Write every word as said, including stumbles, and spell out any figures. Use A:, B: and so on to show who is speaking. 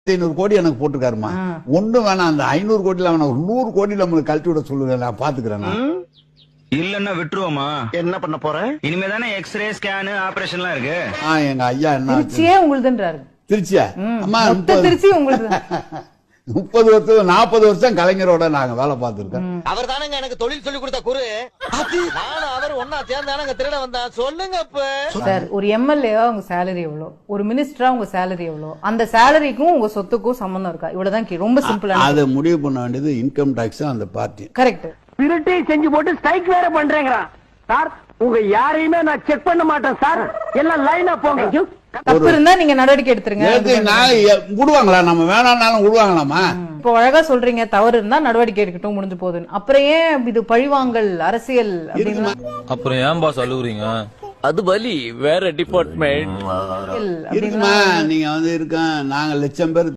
A: ஐநூறு கோடி எனக்கு போட்டுருக்காருமா. ஒண்ணு வேணாம், அந்த ஐநூறு கோடியில வேணாம், ஒரு நூறு கோடி நம்மளுக்கு கழட்டி விட சொல்லுங்க, நான் பாத்துக்கிறேன்.
B: இல்லன்னா விட்டுருவோமா?
C: என்ன பண்ண போற?
B: இனிமே தானே எக்ஸ்ரே ஸ்கேனு ஆபரேஷன்லாம் இருக்கு.
A: எங்க ஐயா என்ன
D: திருச்சியே உங்களுதுன்றாரு.
A: திருச்சியா? அம்மா
D: திருச்சி உங்களுக்கு
A: முப்பது வருஷம் நாற்பது வருஷம் கலைஞரோட நாங்க வேலை பார்த்திருக்கோம்.
C: அவர் தானங்க எனக்கு தொழில் சொல்லி கொடுத்த குரு. நானும் அவர் ஒன்னா சேர்ந்தானங்க திருட வந்தா. சொல்லுங்க இப்ப
D: சார், ஒரு எம்எல்ஏவா உங்க சேலரி எவ்வளவு, ஒரு மினிஸ்டரா உங்க சேலரி எவ்வளவு, அந்த சேலரிக்கும் உங்க சொத்துக்கும் சம்பந்தம் இருக்கா? இவ்வளவுதான் கே- ரொம்ப சிம்பிளா.
A: அதை முடிவு பண்ண வேண்டியது இன்கம் டாக்ஸ் அந்த பார்ட்டி.
D: கரெக்ட்.
E: திருட்டை செஞ்சு போட்டு ஸ்ட்ரைக் வேற பண்றேங்கிறான் சார். உங்க யாரையுமே நான் செக் பண்ண மாட்டேன் சார், எல்லாம் லைனா போங்க.
D: தப்பு இருந்தா நீங்க நடவடிக்கை எடுத்துருங்க.
A: நேத்து நான் எ- விடுவாங்களா? நம்ம வேணாம்னாலும் விடுவாங்களாமா?
D: இப்போ அழகா சொல்றீங்க, தவறு இருந்தா நடவடிக்கை எடுக்கட்டும், முடிஞ்சு போகுதுன்னு. அப்புறம் ஏன் இது பழிவாங்கல் அரசியல் அப்படின்னு
F: அப்புறம் ஏன் பாஸ் அழுகுறீங்க?
G: அது வலி வேற டிபார்ட்மெண்ட்
D: அப்படின்னு
A: இருக்குமா? நீங்க வந்து இருக்க நாங்க லட்சம் பேர்